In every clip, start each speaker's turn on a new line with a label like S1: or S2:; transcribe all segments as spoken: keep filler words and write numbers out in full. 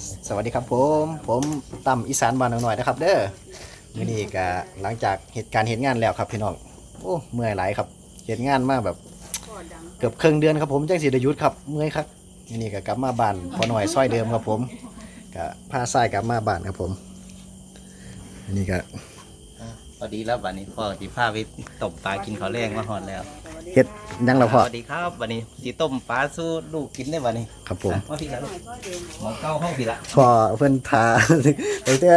S1: สวัสดีครับผมผมตั้มอีสานบ้านหน่อยนะครับเด้อมื้อนี้ก็หลังจากเหตุการณ์เหตุงานแล้วครับพี่น้องโอ้เมื่อยหลายครับเหตุงานมาแบบเกือบครึ่งเดือนครับผมจังสิได้หยุดครับเมื่อยครับมื้อนี้ก็กลับมาบ้านพอหน่อยซอยเดิมครับผมก็พาทรายกลับมาบ้านครับผมอันนี้ก็
S2: พอดีแล้ววันนี้พ่อสีผ้าไปต้มปลากินข้าวแรงมาหอดแล้ว
S1: เฮ็ดยังแล้วพ่อ
S2: สวัสดีครับวันนี้สีต้มปลาสู้ลูกกินได้วันนี้
S1: ครับผม
S2: มาพี่ละลูกหมอเก้าห้องพี่ละ
S1: พ่อเพิ่นทา ตั้งแต่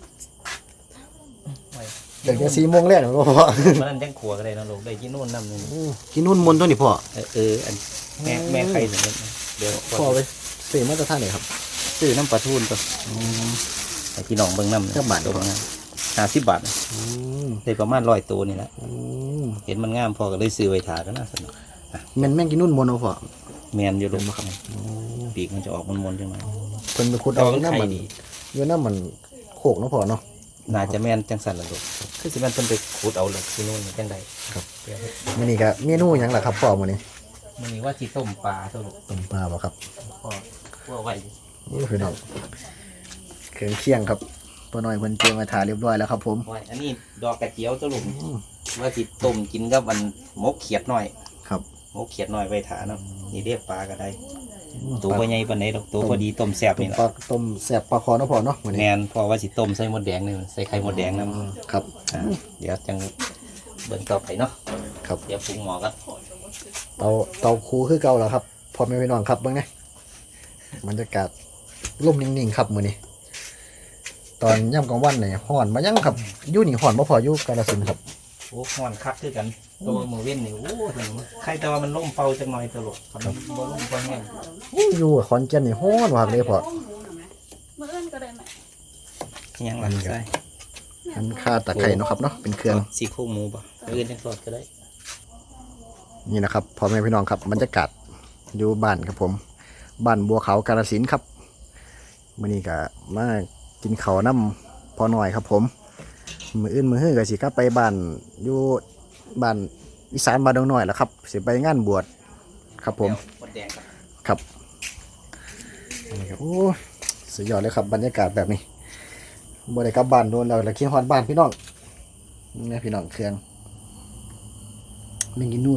S1: ตั้งแต่สี่โมงแรกแล้วพ่อ
S2: มันนั่นยังขัวกันเลยนะลูกได้กินนู่นน้ำนึง
S1: กินนุ่นมนต์ตัวนี้พ่อ
S2: เออเอออันแม่แม่ใครถึงเดี๋ยว
S1: พ่อไปซื้อมาจากท่านไหนครับ
S2: ซื้อน้ำปลาทูนตัวไอ้พี่น้องเบิ่งน้ำ
S1: เท่าบาท
S2: ตัวงามห้าสิบบาท
S1: อืม
S2: ได้ประมาณร้อยตัวนี่แหละ
S1: อืม
S2: เห็นมันงามพอก็เลยซื้อไว้ถากันนะสนุก
S1: แม่นแม่งกินนุ่นมนต์เอาพ่อ
S2: แมนอยู่ลูกปีกมันจะออกมันๆใช่ไหม
S1: เพิ่นไปขุด
S2: แต่
S1: เอา
S2: ว่ามัน
S1: น้ำ
S2: ไข่
S1: มัน
S2: ดี
S1: อยู่น้ำมันโขกเนาะพ่อเนาะ
S2: น่าจะแม่นจังสันละลูกคือสิแม่นเพิ่นไปขุดเอาเลยที่นู่นจังใด
S1: ครับมื้อนี้ก็เมนูหยังล่ะครับพ่อมื้อนี้
S2: มันนี่ว่าสิต้มปลาตัวลูก
S1: ต้มปลาบ่ครับ
S2: พ่อพ่อไว้
S1: นี่คือน้องเครื่องเคียงครับพ่อน้อยเพิ่นเตรียมมาทาเรียบร้อยแล้วครับผม
S2: ไว้อันนี้ดอกกระเจียวตัวลูกว่าสิต้มกินกับมันมกเขียดหน่อย
S1: ครับ
S2: มกเขียดหน่อยไว้ถาเนาะนี่เรียกปลาก็ได้ตัวบ่ใหญ่ปานใดดอกตัวพอดีต้มแซ่บ
S1: ต้ม
S2: นี่
S1: ปลา
S2: ล่ะ
S1: ต้มแซ่บปลาคอเนาะพ่อเนาะมื้อ
S2: แม
S1: นี้
S2: นพ่อว่าสิต้มใส่หมดแดงนี่ใส่ไข่หมดแดงนำ
S1: ครับ
S2: อ่าเดี๋ยวจังเบิ่งต่อไปเนาะ
S1: ครับ
S2: เดี๋ยวปรุงหม้อกัน
S1: เตาเตาคูคือเก่าแล้วครับพ่อแม่พี่น้องครับเบิ่งนะบรรยากาศร่มนิ่งๆครับมื้อนี้ตอนย่ำกลางวันนี่ฮ้อนมายังครับอยู่นี่ฮ้อนบ่พออยู่กาฬสินธุ์ครับ
S2: โอ้ฮ้อนคักคือกันตัวมือเว้นนี่โอ้ถึงใครแต่ว่ามันล่มเป่าจังหน่อยตลกคันบ่ล่มบ่แห้ง
S1: อู้อยู่ขอนแก่นนี่ฮ้อนมากเลยพ่อ
S3: มื่อเอิ้นก็ได้ไหม
S2: ยังหลังใส่
S1: อันค่าตะไคร้เนาะครับเนาะเป็นเครื่อง
S2: สีโครงหมูป่ะเอื่นจังสดก็ได้
S1: นี่นะครับพ่อแม่พี่น้องครับบรรยากาศอยู่บ้านครับผมบ้านบัวขาวกาฬสินธุ์ครับมื้อนี้ก็มากินข้าวน้ำพอหน่อยครับผมมื้ออื่นมื้อฮื้อก็สิกลับไปบ้านอยู่บ้านอีสานบ้านดงน้อยแหละครับสิไปงานบวชครับผม
S2: หมดแดงครับ
S1: ครับนี่ครับโอ้สุดยอดเลยครับบรรยากาศแบบนี้บ่ได้กลับบ้านโดนแล้วแล้วคิดฮอดบ้านพี่น้องนี่พี่น้องเครื่องแม่งกินนู่น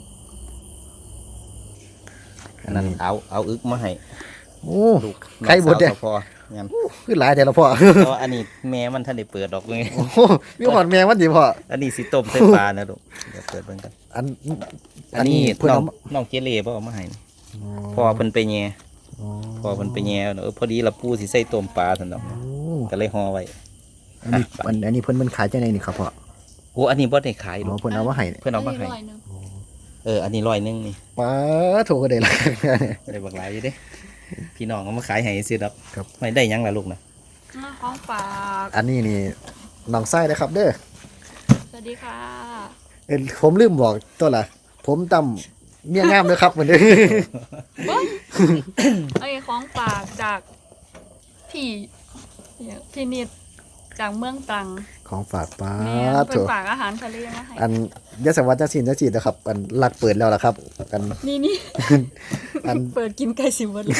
S2: อันนั้นเอาเอาอึกมาให้
S1: โอ้
S2: ลูก
S1: ไข่บดแดง
S2: น้องสาวก็พองั้น
S1: คือหลายแต่ละพ่อ
S2: แต่ว่าอันนี้แม่มันท่านได้เปิดดอกเลย
S1: โอ้โหมีหอดแมงวันดีพ่อ
S2: อันนี้สิต้มใส่ปลานะลูกเดี๋ยวเปิดเบิ่งกัน
S1: อัน
S2: อันนี้
S1: เพื่อน
S2: น้อ
S1: เอา
S2: ง
S1: มา
S2: น้องเจเล่บ่เอามาให้นี่พ่อเพิ่นไปแย่
S1: อ๋อ
S2: พ่อเพิ่นไปแย่เออพอดีละปูสิใส่ต้มปลาซั่นดอก
S1: โอ้
S2: ก็เลยห่อไว้
S1: อันนี้อันอันนี้เพิ่นมันขายจังไดนี่ครับพ่อ
S2: โอ้อันนี้บ่ได้ขาย
S1: อ๋
S2: ลู
S1: อก เพิ่นเอามาให้เนี่ย
S2: เพิ่นเอามาให้
S3: ร้อยหนึ่ง
S2: เอออันนี้ร้อยหนึงนี่
S1: ป้าโถก็ได้ละ
S2: ได้บักหลายอยู่เด้พี่น้องเอามาขายให้ซื้อดอก
S1: ครับ
S2: ไม่ได้หยังล่ะลูกนะ
S3: อ่าของฝาก
S1: อันนี้นี่น้องไส้นะครับเด้อ
S3: สวัสดีค่ะ
S1: เอ้ยผมลืมบอกตัวละผมตำเมียงามเลยครับเหมือนเดิม
S3: ไอ้ยของฝากจากพี่พี่นิดจากเมืองตรัง
S1: ของฝากป้า
S3: แม่
S1: โถ
S3: เป็นฝากอาหารทะเลมาให้
S1: อันยศวัตรสินยศินนะครับอันหลักเปิดแล้วล่ะครับอัน
S3: นี่นี่
S1: อัน
S3: เปิดกินไก่สิบวันเลย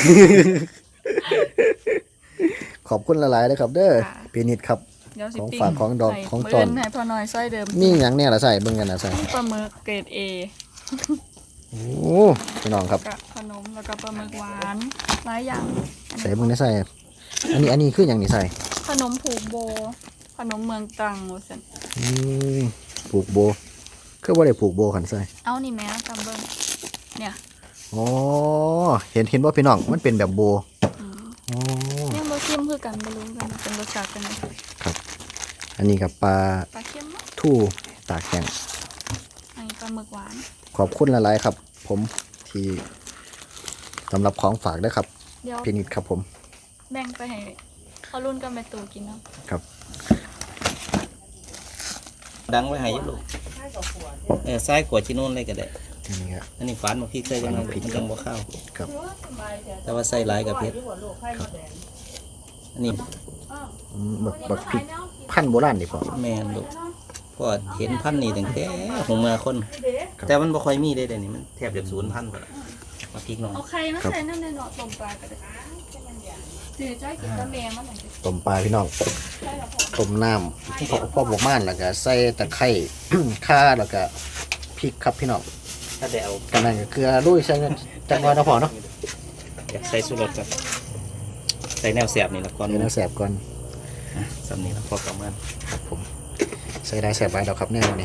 S1: ขอบคุณหลายๆเลยครับ เด้อ
S3: ค่ะ
S1: พี่นิดครับ
S3: เดี๋ยวสิ
S1: ของ
S3: ปิ้
S1: ฝากของดอก
S3: ใส่
S1: ของ
S3: มื้
S1: ตอน
S3: เให้พ่อน้อยซอยเดิม
S1: มีหยังเนี่ยล่ะใส่เบิ่งกันนะใส่
S3: ปลาหมึกเกรดเอ
S1: โอ้พี่น้องครับ
S3: กับขนมแล้วก็ปลาหมึกหวานหลายอย่าง
S1: ใส่เบิ่งได้ใส่อันนี้อันนี้คืออย่างนี้ใส่
S3: ขนมผูกโบ ขนมเมืองตรังว่าซั่น
S1: อืมผูกโบคือบ่ได้ผูกโบขันใส่
S3: เอานี่แม่จำเบิ่งเนี่ย
S1: อ๋อเห็นเห็นว่าพี่น้องมันเป็นแบบโบ
S3: อืม
S1: อ๋อ
S3: ยังบ่ชิมคือกันบ่รู้กันเป็นรสชาติกันไหม
S1: อันนี้กับปลา
S3: ปลาเค็มเนาะ
S1: ทู่ตากแข็ง
S3: อันนี้ปลาหมึกหวาน
S1: ขอบคุณหลายๆครับ ผมที่สำหรับของฝากด้วยครับ
S3: เดี๋ยว
S1: พี่นิดครับผม
S3: แบ่งไปให้เขารุ่นกับแม่ตู่กินเนาะ
S1: ครับ
S2: ดังไว้ให้อยู่ลูกเออซ้ายขวดที่นู่นเลยก็ได้
S1: อันนี้ครับ
S2: อันนี้ฝานมาพริกใส่จังเลยมันจังบ่เข้า
S1: ครับ
S2: แต่ว่าใส่หลายกับเผ็ดอันนี้
S1: อืมบักบักพริกพันธุ์โบราณดีพอ
S2: แม่นลูกก็เห็นพันธุ์นี่ตั้งแต่ผมมาคน แต่มันบ่ค่อยมีได้เดี๋ยวนี้มันแทบจะศูนย์พันธุ์หมดละมาพริกน้อง
S3: เอาไข่มาใส่น้ำในหนอดต้มปลาก็ได้สิจ้อยกินตะเมมันหน่อย
S1: ต้มปลาพี่น้อง
S3: ใช่แล้วพอ
S1: ต้มน้ำพอพอบวกม่านแล้วก็ใส่ตะไคร้ ข่าแล้วก็พริกครับพี่น้อง
S2: ถ้าได้เอา
S1: กันนั่นก็เกลือลุยใส่จังหวะนะพอเนาะ
S2: อยากใส่สุรสกับใส่แนวแสบนี่ละก่อน
S1: เดี๋ยวเราแสบก่อน
S2: อ่ะสำนี้แล้วพอประมาณ
S1: ครับผมใส่ได้แสบไปแล้วครับแน่วันนี้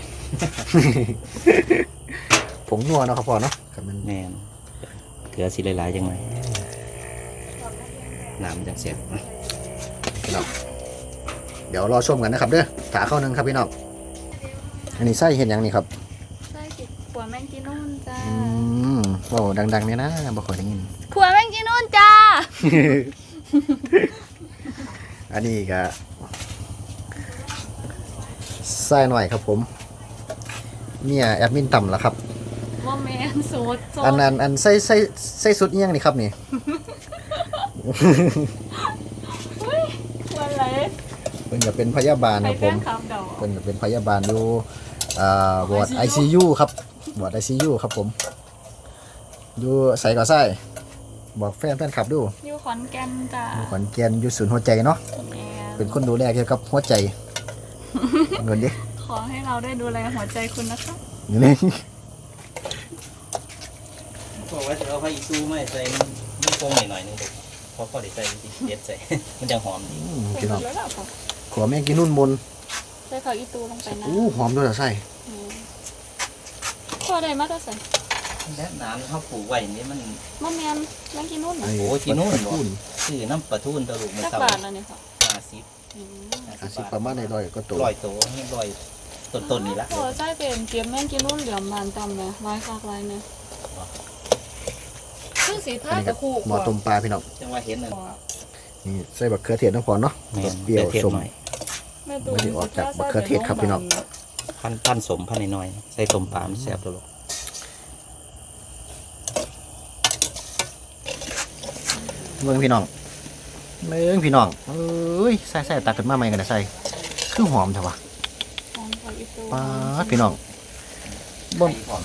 S1: ผงนัวเนาะครับพอเนาะครับมัน
S2: แมนเกลือสิหลายๆยังไงน้ำมันจังแสบ
S1: พี่น้องเดี๋ยวรอชมกันนะครับเด้อถาเข้านึงครับพี่น้องอันนี้ไส้เห็นยังนี่ครับ
S3: ใช่กินขัวแมงจีนูนจ้า
S1: อืมโอ้ดังๆเนี่ยนะบ่ค่อยได้ยิน
S3: ขัวแมงจีนูนจ้า
S1: อันนี้ก็ไส้หน่อยครับผมเนี่ยแอดมินต่ำแล้วครับ
S3: โมเมนสูตรโซ
S1: อันอันอันไส้ไส้ไส้สุดเอี่ยงนี่ครับนี่
S3: ขัวอะไร
S1: เพิ่นจะเป็นพยาบาล
S3: ไป
S1: ครับผ
S3: แป้
S1: ม
S3: งคำดอก
S1: เพิ่นจะเป็นพยาบาลอยู่อ่าวอร์ด ไอ ซี ยู ครับวอร์ด ไอ ซี ยู ครับผมอยู่ใส่ก่อไส้บอกแฟนแฟนคลับดู
S3: อยู่ขอนแก่นจ้า
S1: อยู่ขอนแก่นอยู่ศูนย์หัวใจเนาะ
S3: แม่
S1: เป็นคนดูแลเกี่ยวกับหัวใจเงินดิ
S3: ขอให้เราได้ดูแลหัวใจคุณนะคะ
S1: อยู่นี่
S2: บอกว่าจะเอาไปอีซูไม่ใส่มันโป่งหน่อยๆนึงเพราะพอได้ใส่ที่เด็ดใส่ มันจะหอมดี
S1: อืม
S3: ใส่
S1: พี่
S3: หม
S1: น้อง
S3: ดแล้วเหรอคะ
S1: ขอแม่กินนุ่นมน
S3: ใส่ผักอีตูลงไปนะ
S1: อู้หอมด้วยเหรอไส้
S3: อืมขัวใดมาก็ใส่
S2: และน้ำเขาปลูกไว้นี่มัน
S3: มะแมนแมงจีนูนเหรอ
S2: โอ้กินนู่นเหรอ
S1: พูน
S2: ซื้อน้ำปลาทูนตะลุกมา
S3: จัก
S2: เต่า
S3: บาทแล้วเนี่ยค่ะ
S2: ห้าสิบ
S3: อืม
S1: อาสิประมาณในร้อยก็ตัว
S2: ร้อยโตนี่ร้อยต้นๆนี่ละ
S3: โอ้ใช่เป็นเก็บแมงจีนูนเหลือมบานตำเลยลายคากลายเนี่ยคือสี
S1: อั
S3: ผ้าน
S1: นี้
S3: กั
S1: ก็
S3: บคู่
S1: หมอต้มปลาพี่น้อง
S2: จังว่าเห็นน่ะ
S1: นี่ใส่บักเขือเทศน้ำพอเนาะ
S2: แม่น
S1: เปรี้ยว
S2: เทศ
S1: ส้ม
S2: หน่อย
S3: แม่ตู
S1: ไม่ได้ออกจากมะเขือเทศครับพี่น้อง
S2: พันพันสมพันน้อยๆใส่ต้มปลามันแซ่บตลอด
S1: เมืองพี่น้องเมืองพี่น้องเอ้ยใส่ใส่ตักขึ้นมาใหม่กันนะใส่คือหอมเถอะวะ
S3: หอมผักอีตู
S1: ป้าดพี่น้องบ่
S2: ไข่หอม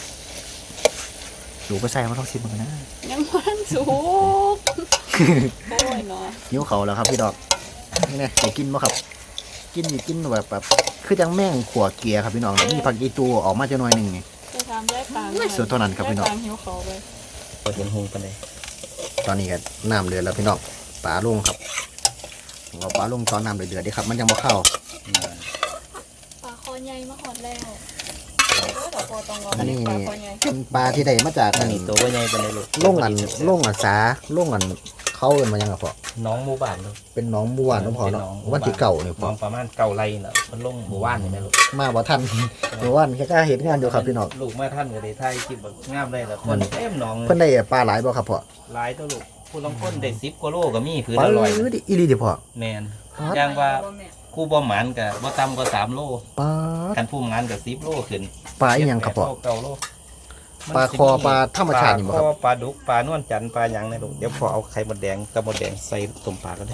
S1: สูไปใส่มาต้องชิมมันนะ
S3: ยังมันสุกโอ้ยเนาะ
S1: หิวเขาแล้วครับพี่ดอกนี่ไงจะกินบ่ครับ กินนี่กินแบบแบบคือจังแม่งขัวเกียร์ครับพี่น้องมีผักอีตูออกมาจะหน่อยหนึ่งนี่
S3: จะทำแยกต่าง
S1: ไม่สุดเท่านั้นครับพี่น้อง
S3: แยกต่างหิวเขาไป
S2: พอเห็นหงปานใด
S1: ตอนนี้ก็น้ำเดือดแล้วพี่น้องปลาลงครับเอาปลาลงตอนน้ำเดือดๆดิครับ มันยังบ่เข้า
S2: อืม
S3: ปลาคอใหญ่มาหอดแล้วเออเดี๋ยวพอต้องรอ
S1: อันนี้
S3: ปลาคอใหญ่
S1: เป็นปลาที่ได้มาจาก
S2: อั
S1: อั
S2: น
S1: น
S2: นี้ตัวว่าใหญ่ปานใดลูก
S1: ล่งอันล่งอันสาล่งอันเข้าเอินมายังไงพ่อ
S2: น้องหมู่บ้านลูก
S1: เป็นหน้องบัวเน้องพ่อเนาะ
S2: เป็นหนอง
S1: วันที่เก่าเนี่ยพ่
S2: น้
S1: อ
S2: องประมาณเก่าไรน่ะมันลงหมู่บ้านนี่แม่ลูก
S1: มาบ่ทัน เมื่อวานแค่กล้าเห็นงานอยู่ครับพี่น้อง
S2: ลูกมาท่านก็ได้ถ่ายคลิปแบบงามเลยแล้วคนเต็มหนอง
S1: เพิ่นได้ปลาหลายบ่ครับพ่อ
S2: หลายตัวลูกผู้ลางคนได้สิบกว่าโลก็มีคือ
S1: ปลา
S2: ละร้อย
S1: ดิอีหลีดิพ่อ
S2: แมนอย่างว่ากูบ่หมานก็บ่ต่ำกว่าสามโล
S1: ปลา
S2: กันผู้หมานก็สิบโลขึ้น
S1: ปลาอีหยังครับพ่อ
S2: เจ็ดแปดโลเก้าโล
S1: ปลาคอปลาธรรมชาตินี่บ่ครับ
S2: ปลาคอปลาดุกปลานวลจันทร์ปลาหยังในลูกเดี๋ยวพอเอาไข่มดแดงกับมดแดงใส่ต้มปลาก็ได้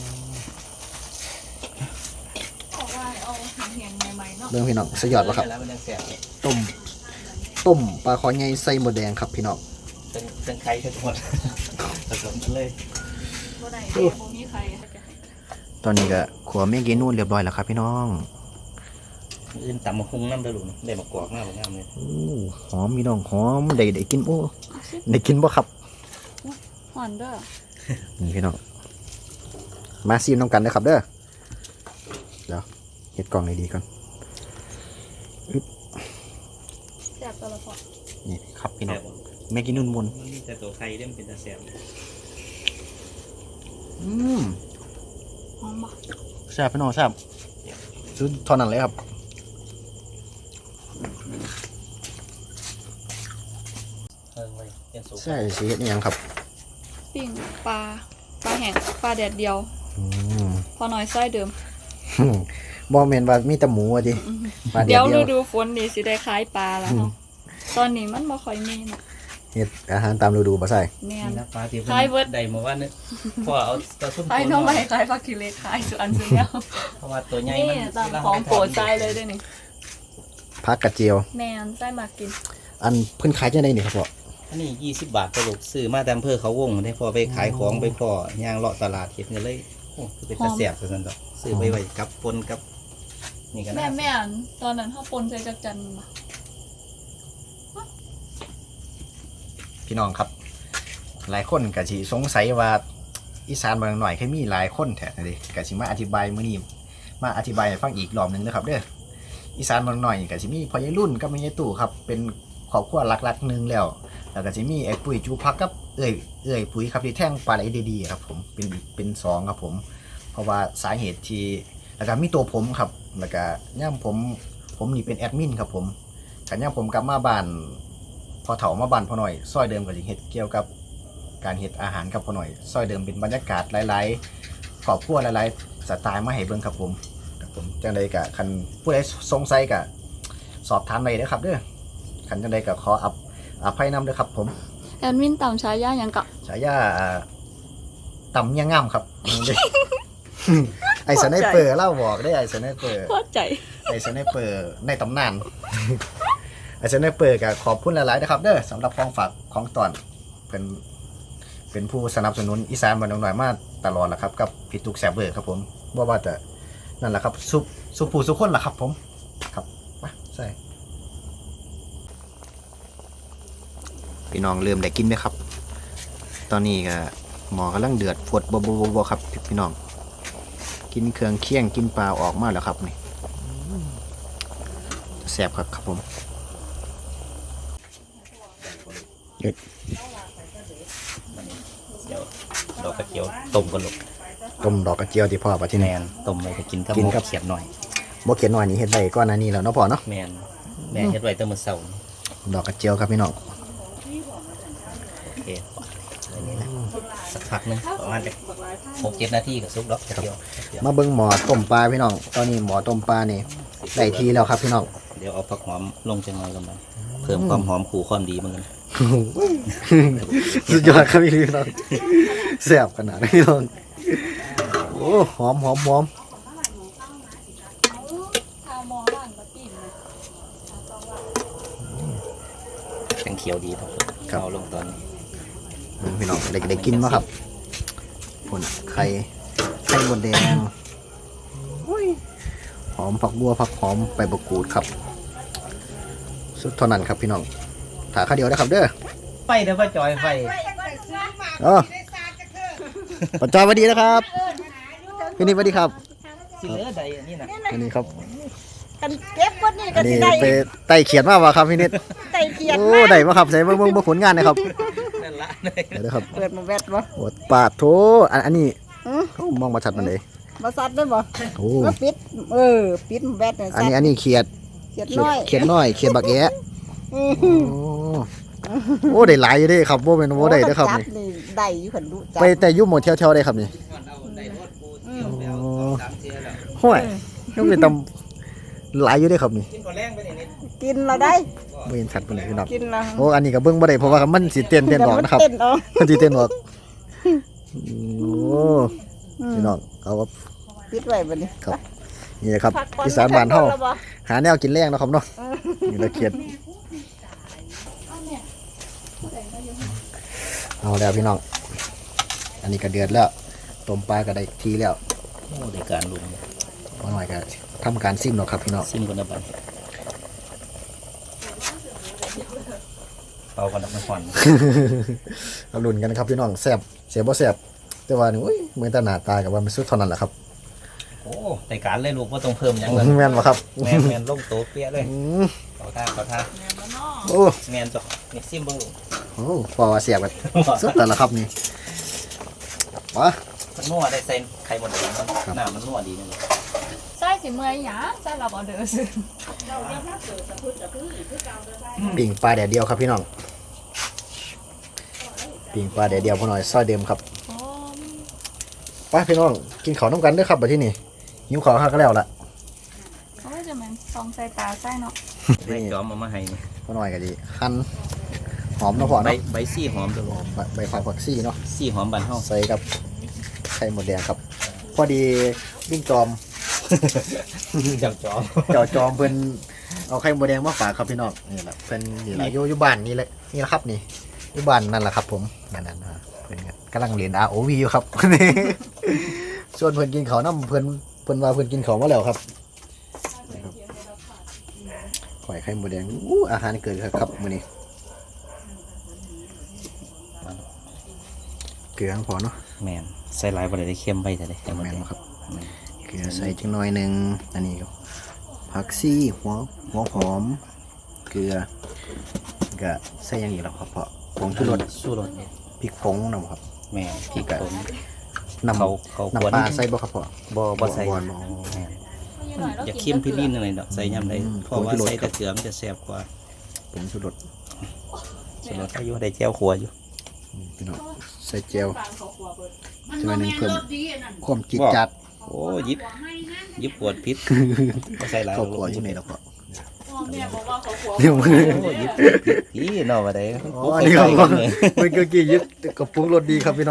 S3: บอกว่าเอาเหียงๆใหม่ๆเนาะ
S1: เรื่องพี่น้องสยอดบ่ครับ
S2: แล้วมันยังแซ่บเลย
S1: ต้มต้มปลาคอใหญ่ใส่หมูแดงครับพี่น้อง
S2: เป็นเป็นไข่ทั้งหมดผสมกันเลย
S3: บ่ได้แค่บ่มีใคร
S1: ตอนนี้ก็ขัวเมฆกินนู่นเรียบร้อยแล้วครับพี่น้อง
S2: อื่นตำมะฮุงน้ำเด้อลูกได้มากรอกหน้าบ่งามเลย
S1: อู้หอมพี่น้องหอมได้ได้กินโอ้ได้กินบ่ครับ
S3: หอนเด้อ
S1: นี่พี่น้องมาซีมน้ำกันนะครับเด้อเดี๋ยวเฮ็ดกล่องดีๆก่อน
S3: แซ่บตลอดพอ
S1: นี่ครับพี่น้อ
S2: แซ่
S1: ง
S2: บบ่
S1: เมฆกินนู่นมุน
S2: มันมีแต่ตัวไข่เด้มนเป็นตาแซ่บ
S1: อืม
S3: หอมบ่
S1: แซ่บพี่น้องแซ่บซื้อเท่านั้นเลยครับ
S2: เออไว้เป็นสุก
S1: ใช่สิเฮ็ดอิหยังครับ
S3: ปิ้งปลาปลาแห้งปลาแดดเดียว
S1: อืม
S3: พอน้อยไส้เดิม
S1: บ่แม่นว่ามีแต่หมูอ่ะดิปลาเดี
S3: เดี๋
S1: ย
S3: ยว ว
S1: เดี
S3: ฤ
S1: ยว
S3: ดูฝนนี่สิได้ขายปลาแล้วเนาะตอนนี้มันบ่ค่อยมีน่ะ
S1: เฮ็ดอาหารตามฤดูบ่ใส่
S3: แม่น
S2: นี่นะปลาที่
S3: ไข่เบิด
S2: ได้มาว่านึกพอเอาตัวซุ่ม
S3: ขายหน้องใหม่ขายผักกิเลสขายสุอันสุดแล้ว
S2: เพราะว่าตัวใหญ่
S3: นี่
S2: มัน
S3: ตามของโปรดไส้เลยด้วยนี่
S1: ผักกระเจียว
S3: แม่นไส้มากิน
S1: อันเพิ่นขายจังได๋นี่ครับพ่อ
S2: อันนี้ยี่สิบบาทตลกซื้อมาแต่อำเภอเขาวงได้พอไปขายของไปพอย่างเลาะตลาดเห็ดเงินเลยโอ้คือเป็นตะแสบซะซั่นดอกซื้อไปไว้กับปนกับนี่ก็
S3: แม่
S2: น่า
S3: แม่อันตอนนั้นเขาปนใส่จักจันมา
S1: พี่น้องครับ หลายคนก็สิสงสัยว่าอีสานบางหน่อยเคยมีหลายคนแท้เลยก็สิมาอธิบายมื้อนี้มาอธิบายให้ฟังอีกรอบหนึงนะครับเด้ออีสานบางหน่อยก็สิมีพ่อใหญ่รุ่นกับแม่ใหญ่ตู่ครับเป็นครอบครัวหลักๆหนึงแล้วแล้วก็สิมีไอ้ปุ้ยจูพักกับเอ้ยเอ้ยปุ๋ยครับที่แท่งปลาไหลดีๆครับผมเป็นอีกเป็นสองครับผมเพราะว่าสาเหตุที่แล้วก็มีตัวผมครับแล้วก็ย่ำผมผมนี่เป็นแอดมินครับผมกันย่ำผมกลับมาบ้านพอเถามาบ้านพอหน่อยซอยเดิมก็สิเฮ็ดเกี่ยวกับการเฮ็ดอาหารกับพอหน่อยซอยเดิมเป็นบรรยากาศหลายๆครอบครัวหลายๆสไตล์มาให้เบิ่งครับผมครับผมจังใดก็คันผู้ใดสงสัยก็สอบถามได้เด้อครับเด้อคันจังใดก็ขออัพอภัยนำเด้อครับผม
S3: แอดมินต่ำฉายาหยังกะ
S1: ฉายาอ่าต่ำเมียงง่ำครับ ไอ้สไนเปอร์เล่าบอกได้ไอ้สไนเปอร์
S3: พอใจ
S1: ไอ้สไนเปอร์ในตำนาน ไอ้สไนเปอร์ก็ขอบคุณหลายๆนะครับเด้อสำหรับของฝากของตอนเป็นเป็นผู้สนับสนุนอีสานบ้านหนองหน่อยมาตลอดแหละครับกับพี่ตุกแซบเบอร์ครับผมว่าว่าแต่นั่นแหละครับสุสุผู้สุคนล่ะครับผมครับมาใส่พี่น้องเริ่มได้กินไหมครับ ตอนนี้ก็หมอกำลังเดือดฝดบบบบครับพี่น้องกินเครื่องเคี่ยงกินปลาออกมาแล้วครับนี่แซ่บครับครับผมเด็ด
S2: เดี๋ยวดอกกระเจียวต้มกันลูก
S1: ต้มดอกกระเจียวที่พ่อปะที่
S2: แม
S1: แนน
S2: นต้มไปก็กินกับ
S1: กิน
S2: หมู
S1: กับ
S2: เขียดหน่อย
S1: บ่เขียนหน่อยนี่เฮ็ดได้ก้อนหนานี้แล้วเนาะพ่อเนาะ
S2: แมนแม่เฮ็ดไว้ตั้งมื้อเช้านี่
S1: ดอกกระเจียวครับพี่น้อง
S2: โอเคอันนี้นะสักพักหนึงประมาณหกเจ็ดนาทีก็สุกดอกกระเจียว
S1: มาเบิ่งหมอต้มปลาพี่น้องตอนนี้หมอต้มปลานี่ได้ทีแล้วครับพี่น้อง
S2: เดี๋ยวเอาผักหอมลงจังหน่อยกันไปเพิ่มความหอมขู่ความดีเหมือนกัน
S1: สุดยอดครับพี่น้องแซ่บขนาดนี้พี่น้องโอ้หอมหอมหอม
S3: ข้าวหมอบ้านปะติ่มนะ
S2: จังเขียวดีครับเอาลงตอนนี้
S1: พี่น้องเด็กได้กินมั้ครับผลไข่ไข่บดแดงหอมผักบัวผักหอมใบมะกรูดครับสุดเท่านั้นครับพี่น้องถาข้าวเดียวนะครับเด้อ
S2: ไฟเด้อว่าจอยไฟ
S1: อ๋อปัจจอยสวัสดีนะครับพี่นิดสวัสดีครับ
S2: สิเหลือใดอันนี้นะ
S1: อันนี้ครับ
S4: กันเก็บคนนี่
S1: อั
S4: ก็
S1: นนี้
S4: สิได้
S1: ไปไต่เขียนมากวะครับพี่นิด
S4: ไต่เกียรติ
S1: โอ้
S4: มา
S1: ได้มาครับใส่เบิ่งเบิ่งเบิ่งผลงานนะครับ
S2: นั่นละ
S1: เดี๋ยวนะครับ
S4: เปิดมาแวดบ่
S1: โอ้ปาดโถอันอันนี้
S4: หือ
S1: โอ้มองมาชัดมันเลย
S4: บ่ซัดได้บ่
S1: โอ้
S4: ก็ปิด เออ ปิดแวดน่ะ
S1: อันนี้อันนี้เขียด
S4: เกียรติ
S1: เขีย
S4: น้
S1: ด
S4: อย
S1: เขียดน้อยเขียดบักแอะ
S4: อือ
S1: โอ้โอ้ได้หลายอยู่เด้ครับบ่เป็นบ่ได้เด้อครับ
S4: จั
S1: นี่
S4: นี่ได้อยู่คันดูจับ
S1: ไปแต่อยุ่หมดเที่ยวๆได้ครับนี่ ห้วยต้องเป็นตำหลายอยู่เด้อครับนี่
S2: กินก่อนแรงไปนี่นิด
S4: กินเราได้
S1: บ่เห็นชัดปานใดพี่น้อง
S4: กินเรา
S1: โอ้อันนี้ก็เบิ่งบ่ได้เพราะว่ามันสิเต้นเต้นออกนะครับ
S4: เต้นออก
S1: มันสิเต้นออกโอ้
S4: อืม
S1: พี่น้องเอาครับ
S4: ปิดไว้บัดนี้
S1: ครับนี่แหละครับ
S4: พักก่อน
S1: อีสานบ้านเฮา
S4: แล้วบ่
S1: หาแนวกินแรงเนาะครับเนาะนี่ละเขียดเอาแล้วพี่น้อง อันนี้ก็เดือดแล้วต้มปลาก็ได้ทีแล้ว
S2: โอ้ได้การลุง
S1: พอหน่อยก็ทำการซิมเนาะครับพี่น้อง
S2: ซิมกันนะบัดเป่ากันดับมันควัน
S1: เอาลุ้นกันครับพี่น้องแซ่บเสียบ่แซ่บแต่ว่านี่อุ้ยเหมือนแตหน้าตากับว่ามันสุดเท่านั้นแหละครับ
S2: โอ้ได้การเลยลูกว่าต้องเพิ่มหยังเลย
S1: แม่นบ่ครับ
S2: แมนแมนลงโต๊ะเปี้ยเลย
S1: อืม
S2: ขอท่าขอท่า
S1: โอ้
S2: แมนจ้ะนี่ซิมเบิ่งลูก
S1: โหพอว่าเสียบกันสุดแต่ละครับนี่มา
S2: มันนัวได้ใส่ไข่หมดเลย
S1: ครับ
S2: หน้ามันนัวดีนึง
S3: ใส่สิเมื่อยหยาใส่รับออเดอร์ซื้อ
S1: ปิ่งปลาแดดเดียวครับพี่น้องปิ่งปลาแดดเดียวพอหน่อยซอยเดิมครับ
S3: หอม
S1: ไปพี่น้องกินข้าวน้ำกันเด้อครับบัดที่นี่หิวข้าวข้าก็แล้วล่ะ
S3: โอ้ยจะแม่นสองใส่ตาใส่เนาะ
S2: ใบจอมเอามาให้นี่
S1: พอหน่อยก็ดีหั่นหอมเนาะพอ
S2: ใบ
S1: เนาะ
S2: ใบซี่หอมตัวลูก
S1: ใบใบผักผักซี่เนาะ
S2: ซี่หอมบานเฮา
S1: ใส่กับไข่หมดแดงครับ พอดีวิ่งจอม
S2: จับจอม
S1: เจ้าจอมเพิ่นเอาไข่หมดแดงมาฝากครับพี่น้องนี่แหละเพิ่นนี่แหละอยู่อยู่บ้านนี่แหละนี่แหละครับนี่อยู่บ้านนั่นแหละครับผมนั่นนั่นนะเพิ่นก็กำลังเรียน อาร์ โอ วี อยู่ครับ ส่วนเพิ่นกินข้าวน้ำเพิ่นเพิ่นว่าเพิ่นกินข้าวมาแล้วครับข่อยไข่หมูแดงอู้อาหารเกิดครับมื้อนี้เกลือพอเนาะ
S2: แม่นใส่หลายบ่ได้ได้เค็มไปแต่ได้ไข่มด
S1: แม่น
S2: แดง
S1: บ่ครับเกลือใส่จังหน่อยหนึงอันนี้ก็ผักชีหัวหัวหอมเกลือก็ใส่อย่างนี้แล้วครับเพาะผงชูรส
S2: สู้รส
S1: พริกผงนำครับ
S2: แม่นพริกผง
S1: น้ำ
S2: เขาเขาขวด
S1: น้ำปลาใส่บ่ครับพ่อ
S2: บ่บ่ใส่
S1: บ่บ่
S2: แม่นอย่าเค็มพิลิ้นอะไรดอกใส่ยำใด
S1: อืม
S2: เพราะว่า
S1: ผงชูรส
S2: ใส่แต่เกลือมันจะแซ่บกว่า
S1: ผงชูรส
S2: สุรสอายุได้แจ้วขัวอยู่
S1: พี่น้องใส่เจียวจังหน่อยหนึงเพิ่มความจิตจัด
S2: โอ้ยิบยิบขวดพิษบ่ใส่หลาย
S1: ครอบ
S2: ห
S1: ครัว
S2: ร
S1: อยู่
S2: ก
S1: ในแล้วพ่อ
S3: แม่บอกว่าเขาขว
S1: เดี๋ยวมือ
S2: โอ้ยิบพิษเนาะว่าได้
S1: อ๋ออันนี้ครับ
S2: ใก
S1: พ่อ
S2: ล้ๆกันเลย
S1: มันก็กี่ยึดกับปรุงรสดีครับพี่น้อง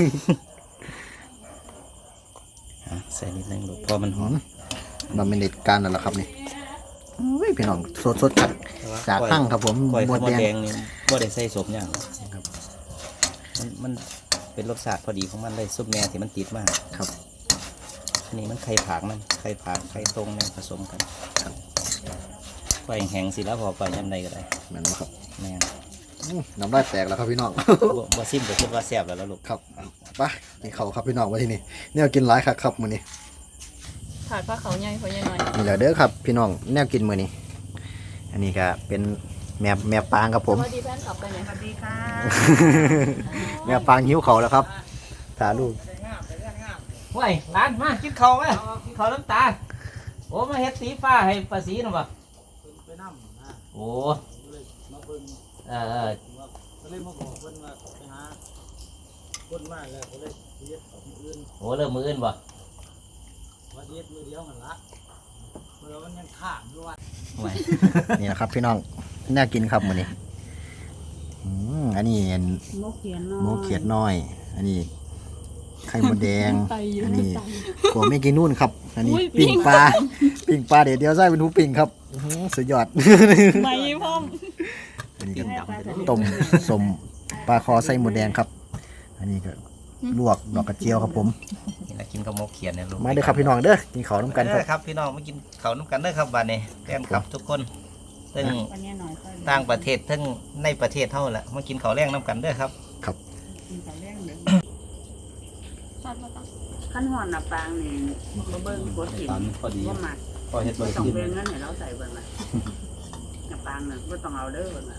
S2: อ่ะใส่นิดนึงลูกพอมันหอม
S1: มันเป็นเด็ดการนั่นแหละครับนี่อุ้ยพี่น้องสดสดๆจากจากตั้งครับผม
S2: ก้อย
S1: หม
S2: ข้าว
S1: ด
S2: หมด
S1: แดง
S2: แดงนี่บ่ได้ใส่สมอย่างหรอกมันมันเป็นรสชาติพอดีของมันเลยซุปแม่ที่มันติดมาก
S1: ครับ
S2: อันนี้มันไข่ผางมันไข่ผางไข่ตรงเนี่ยผสมกัน
S1: ครับ
S2: ก้อยแห้งสิแล้วพอก้อยยำใดก็ได้
S1: แม่นบ่ครับ
S2: แม่น
S1: อื้อน้ำลายแตกแล้วครับพี่น้อง
S2: บ่บ่ซิมก็คิดว่าแซ่บแล้วล่ะลูก
S1: ครับไปกินข้าวครับพี่น้องมาที่นี่เนี่ยกินหลายครับครับมื้อนี้
S3: ถาดผ้าเขาวใหญ่พอใหญ่หน่อย
S1: นี่แหละเด้อครับพี่น้องแนวกินมื้อนี้ อันนี้ก็เป็นแม่แม่ปางครับผม
S3: สวัสดีแฟนคลับไปไหนสวัสดีค่ะ
S1: แม่ปางหิวเขาวแล้วครับถ่าลูก
S2: ห่วยร้านมากินข้าวไหมกินข้าวน้ำตาลโอ้มาเฮ็ดสีฟ้าให้ป้าสีน่ะบ่โอ้เออเออ
S5: ก็เลยมาบอกเพิ่นว่าไปหาคนมาแล้วก็เลยเฮ็ดของอื่น
S2: โอ้เริ่มมืออื่นบ่
S5: ว่าเฮ็ดมือเดียวกันละเมื่อมันยังข้ามด้วย
S2: ห่วย
S1: นี่นะครับพี่น้องแนวกินครับมื้อนี้อืมอันนี้อัน
S4: มกเขียนน้อย
S1: หมูเขียดน้อย อันนี้ไข่มดแดง
S3: ไตอยู่
S1: อันนี้
S3: ไต
S1: กัวไม่กินนู่นครับ อันนี้
S3: อุ้ย
S1: ปิ้ง
S3: ปิ้ง
S1: ปลา ปิ้งปลาเดี๋ยวเดียวใส่เป็นหูปิ้งครับอื้อหือสุดยอด
S3: ไม่พ่อม
S1: อันนี้ก็ต้มสมปลาคอใส่หมดแดงครับ อันนี้ก็ลวกดอกกระเจียวครับผม
S2: นี่ละกินกับหมกเขียนเนี่ยลูก
S1: มาเด้อครับพี่น้องเด้อกินข้าวน้ำกันค
S2: เด้
S1: รับ
S2: อครับพี่น้องมากินข้าวน้ำกันเด้อครับบัดนี้แฟนคลับทุกคนทั้ง
S4: วันนี้หน่อยค่อย
S2: ต่างประเทศทั้งในประเทศเท่าแหละมากินข้าวแรงน้ำกันเด้อครับ
S4: กินแต่แรงเด้อ
S3: ถาดมาตั้ง
S4: ขั้นหอนน่ะปางนี่บ่เบิ่งกดหิน
S2: พอดี
S4: บ่มัก
S2: พอเฮ็ด
S4: บ่
S2: บ่
S4: ต้อง
S2: กิน
S4: เบิ่งเงินให้เราใส่เบิ่งน่ะน่ะปางน่ะบ่ต้องเอาเด้อเบิ่งน่ะ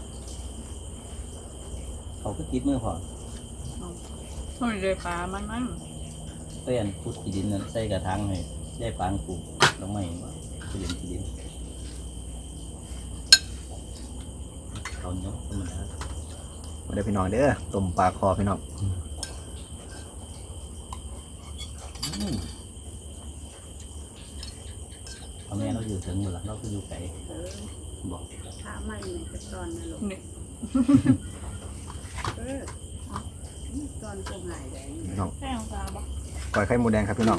S2: เขาก็ติดมือพอ
S3: โอ้ยเลยปลามันมัน
S2: เต้นพุดขี้ดินนั่นใส่กระถางให้ได้ปางปลูกลงไม้ขี้ดินขี้ดินเขาเนาะธรรมดา
S1: มาเด้อพี่น้องเด้อต้มปลาคอพี่น้อง
S2: เอาแม่เราอยู่ถึงหมดละเราก็อยู่ไกล
S4: เออ
S2: บอก
S4: ถ้าไม่นี่ก็ตอนนั่นลูก
S3: นี่
S4: เออตอนก็ง่ายได้
S1: พี่น้อง
S3: แค่ของปลาปะ
S1: ก้อยไข่หมูแดงครับพี่น้อง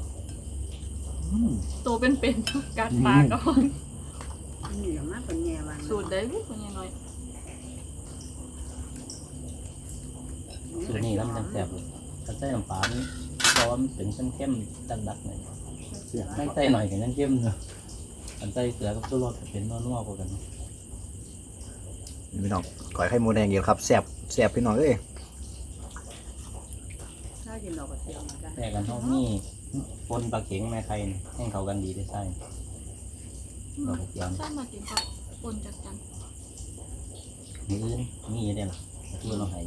S3: ตัวเป็นๆกัดปลาก่อน
S4: นี่ก็มาเป็นแง่วัน
S3: สูตรได้ลูกพอใหญ่หน่อย
S2: คือนี่แล้วมันจะแซ่บเลยถ้าใส่น้ำปลานี่เพราะว่ามันเป็นเข้มๆดันดักหน่อยไม่ใส่หน่อยก็ยังเข้มเนาะอันใส่เกลือกับชูรสเป็นนัวๆกว่ากัน
S1: นี่พี่น้องก้อยไข่หมูแดงเดียวครับแซ่บแซ่บพี่น้องเอ้ย
S4: ถ้ากินดอกกระเจียวมาได้
S2: แต่กันเท่านี้ปนปลาเข็งแม่ไข่นี่ให้เขากันดีได้ใช่ดอกกระเจียวนี่
S3: ใช่มากินข้าวปนจัดกัน
S2: มีอื่นมีอยู่ได้หรอที่เราใหาย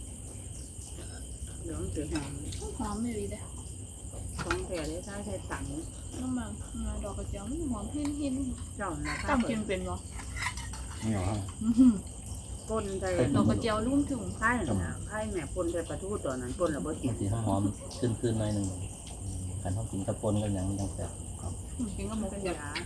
S4: เดี๋ยวมันสิหอม
S3: หอมไม่ดีเลย
S4: ของแท้ได้ใช้ใช้ตังค์
S3: น้ำมันดอกกระเจียวมันหอมหินหิน
S4: เจ้าน่ะ
S3: จำกินเป็นบ่
S2: นี่เหรอ
S4: ปนใส่
S3: ดอกกระเจียวลุ่มถึง
S4: ไข่น่ะไข่แม่ปนใส่ปลาทูตอนนั้นปนแล้วบ่กิ
S2: มัน นสีหอมๆขึ้นๆหน่อยหนึ่งขันเขากินกระปนกันอย่างนี้ยังแซ่บ
S3: กินกับหมู
S4: เป็น
S3: กระ
S4: ยา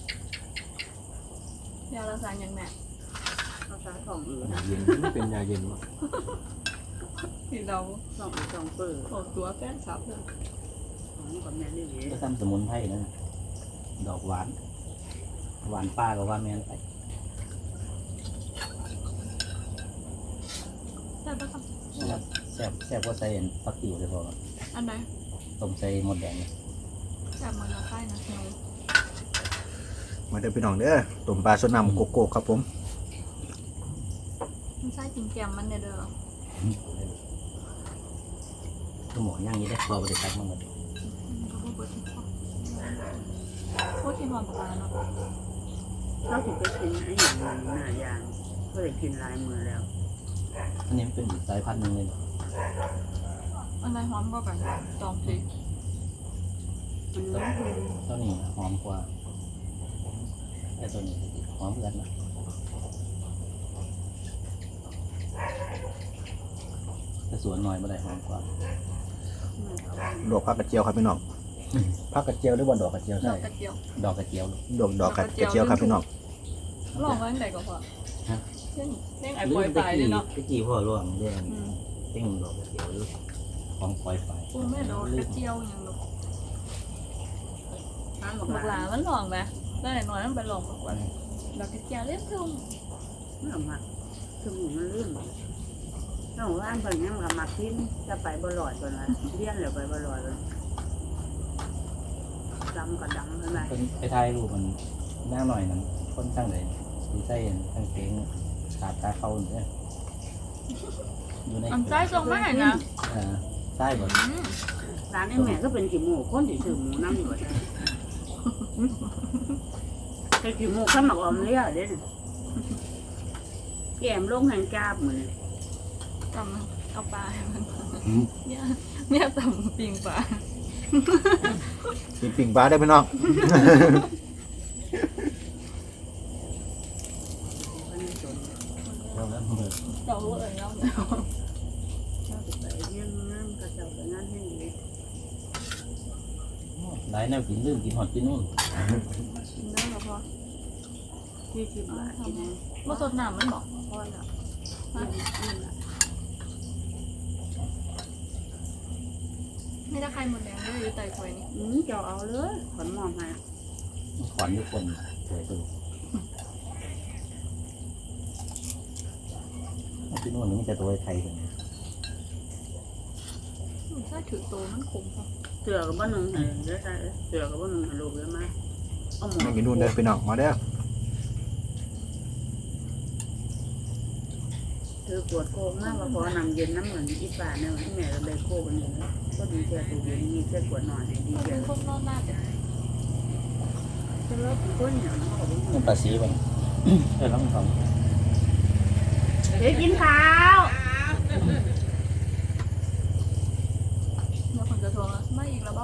S3: ยาละสายอย่างแม่
S4: เอาซาของอื่น
S5: เย็นมันเป็นยาเย็นวะ
S3: ที่เรา
S4: สองสองเปิด
S3: ออกตัวแฟนคลับเลย
S4: ของกับแม่นี่เด้
S2: ก็ทำสมุนไพรนั่นน่ะดอกหวาน หวานป้ากับหวานแมนไป
S3: แต่บนะครับ
S2: แซ่บแซ่บกว่าใส่ฟักติ๋วเลยพอ
S3: อันไหน
S2: ต้มใส่หมดแดงเลย
S3: แต่มันละใต้นะเนาะ
S1: มาเด้อพี่น้องเด้อต้มปลาสดน้ำโกโก้ครับผม
S3: มันใต้กินแกมมันเนี่ยเด้อ
S2: คือหมอย่างนี้ได้พอไปได้ตักมันหมด
S3: ก็บ่เปิดที่พ่อโคตรที่หอมปลาเนาะ
S4: เราถึงไปกินไอ้อย่างนั้นหน้ายางก็เลยกินลายมือแล้ว
S2: อันนี้มันเป็นอีกสายพันธุ์หนึ่งเลย
S3: อันไหนหอมก็กันจองสิ
S4: มันน้อยคือ
S2: ตัวนี้หอมกว่าไอ้ตัวนี้หอมเหมือนกันนะแต่สวนหน่อยไม่ได้หอมกว่า
S1: ดอกผักกระเจียวครับพี่น้องผักกระเจียวหรือว่าดอกกระเจียว
S3: ด
S1: ใช่
S3: อกกระเจียว
S2: ดอกกระเจียว
S1: ดอกดอกกระเจียวครับพี่น้อง
S3: ลองไว้ตั้งแต่ก็พอ
S2: ฮะ
S3: เล่นเล่นไอ้ปล่อยปลายเลยเนาะ
S2: ตะกี้พ่อร่วงเรื่อง
S3: อืม
S2: เต้งดอกกระเจียวหรือของปล่อยไป
S3: กูไม่โดนกระเจียวอย่างลูก
S4: น้ำ
S3: บั
S4: บั
S3: ก
S4: ก
S3: ห
S4: ห
S3: ลา
S4: ลา
S3: มันลองไหมได้หน่อยมันไปลองบักว่าดอกกระเจียวเล่นทุ่ง
S4: ไม่เอามาคือหมูมันเลื่อนน้องว่านเพิ่นยังกับมากินจะไปบ่ลอยก่อนละเลี้ยนแล้วไปบ่ลอยเลยดำกับดำใช่ไหม
S2: เป็นไปถ่ายรูปมันหน้าหน่อยนั้นคนตั้งเลยดีไซน์ตั้งเต้งขาดตาเข้าเนี่ยอยู่ใน
S3: อันใต้ทรงไม่เห็นนะ
S2: เออใต้หมด
S3: อืม
S4: ร้านไอ้แม่ก็เป็นกี่หมูคนที่ซื้อหมูน้ำอยู่ว่าซั่นเป็นกี่หมูข้าวหมักออมเลี้ยเด้แกมลงแห่งกาบมือ
S3: ตำเอาปลาให้มันเนี่ยเนี่ยตำปิงปลา
S1: กินปิ่งปลาได้อพี่น้อง
S2: แล้วแล้วมือ
S3: เจ้ารู้เองแล้วเนี่ย
S4: ไปเยี่ยมน้ำกระเจ้าไปนั่นให้ดี
S2: ได้แนวกินลืมกินหอดกินนู่น
S3: กินได้แล้วพอ
S4: ที่สิบบาทกิน
S3: มาสดน้ำมันบอก
S4: พอแล้ว
S3: ไม่ได้ใครหมดแดงด้วยอยู่ไต่ควยนี่
S4: อืมเจ้าเอาเลยขอนมองให้
S2: ขอนทุกคนสวยตัวกินนู่นนี่จะตัวไทยกัน
S3: ถ้าถือโตมันขมป่ะ
S4: เสือกับบ้านนึงให้เยอะใจเสือกับบ้านนึงให้ลูกเยอะมากเอาหมอ
S1: มากินนู่นเด้อพี่น้องมาเด้อ
S4: เธอปวดโค้งมากว่าพอนำเย็นน้ำเหมือนอีป่าเนี่ยที่แม่เราเลยโค้งกันอยู่แล้วก็ดีเจตัวเย็นมีเสื้อปวดหน่อยให้ดี
S3: มัน
S4: เจ
S3: เป็นคนนอนหน้าแต่
S4: จะเลิกก้นเหนียวน้ำของ
S2: นี่ปลาสีไปเออแล้วมันของ
S4: เฮ้ยกินข้าว
S3: เนี่ยคนจะทวงไม่อีกแล้วบ่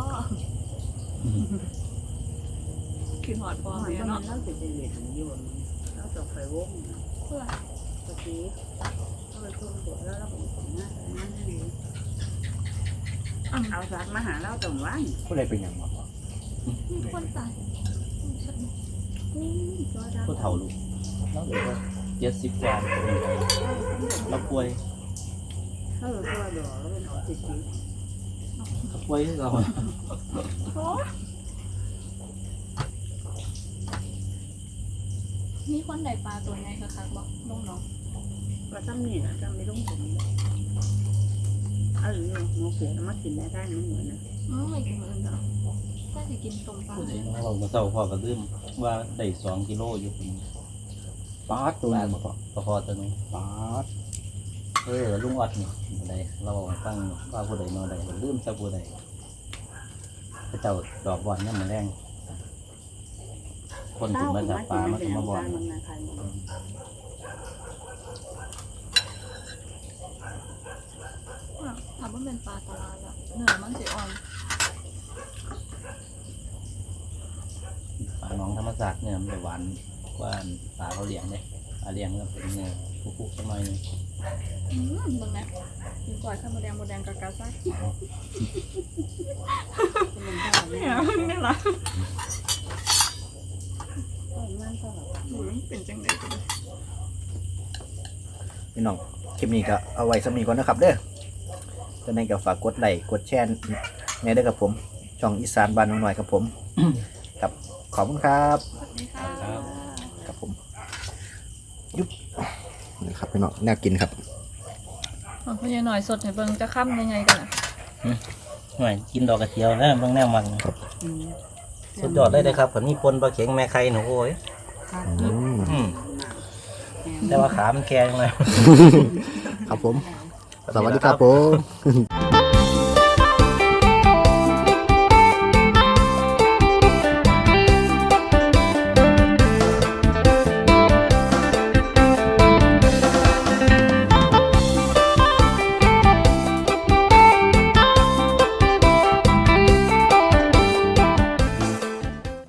S3: กินหอดฟอง
S4: มัน
S3: เนี่ย
S4: ก็มั
S3: เนาะ
S4: นเล่าสิจะเวียนอยู่เราตกไฟวง
S3: เพื่อ
S4: ตะกี้เราไปทุ่มปวดแล้วเราไปถึงหน้าแต่นั่นให้ดีเอาสักมาหาเราตรงวัน
S1: ผู้ใดเป็นอย่างบ่
S3: มีคนตาย
S2: ผู้เฒ่าลูกแล้วเดี๋ยวเจ็ดสิบกว่าเราป่วย
S4: ถ้าเราตัวดอกแล้วเป็นออทิสติก
S2: เราป่วยเรา
S3: โอ้มีคนใดปลาตัวใหญ่คักๆบอกน้องน้อง
S4: ว่าตั้มนี่นะตั้มไม่ต้องถึงเอาอยู่หมูเขียวมากินได้ได้ไม่เหมือนนะ
S3: อืมไม่กินเหมือนกันถ้าจะกินต้มปลา
S2: ผู้ใดน้องเราเมื่อเช้าพ่อก็ลืมว่าได้สองกิโลอยู่คน
S1: ปลาตัวนึงบ่พอ
S2: พอพอตัวนึง
S1: ปลา
S2: เออลุงออดนี่ผู้ใดเราฟังว่าผู้ใดมาใดลืมซะผู้ใดพระเจ้าดอกบอลนี่มันแรงคนถึงมาจากปลามาถึงมาบอล
S3: ถามว่าเป็นปลาตลาดอะเนื้อมันสีอ่อน
S2: ปลาน้องธรรมศาสตร์เนี่ยมันจะหวานกว่าปลาเขาเลี้ยงเลยปลาเลี้ยงก็เป็นเนื้อคุกๆสักหน่อยนึง
S3: อืมมึงนะกินก่อยข้าวโมแดงโมแดงกากาซ่าเนี่ยนี่ละหนูเป็นจังเลยกัน
S1: พี่น้องคลิปนี้ก็เอาไว้สำนีก่อนนะครับเด้อจะในก็ฝากกดไลค์กดแชร์ในเด้อครับผมช่องอีสานบ้านน้องหน่อยครับผม ครับขอบคุณครับ
S3: สวัสดีค่ะ
S1: ครับผมยุบนี่ครับพี่น้องน่ากินครับ
S3: เอาพ่อใหญ่หน่อยสดให้เบิ่งจะค่ำยังไงกันอ่ะ
S2: หน่อยกินดอกกระเจียวนะเบิ่งแนวมัน
S4: อืม
S2: สุดยอดเลยนะครับผมมีปนปลาเข็งแม่ไข่หนูโอ้ย
S4: ครับ
S1: อืม
S2: อืมแต่ว่าขามันแก่ยังไง
S1: ครับผม สวัสดีครับผม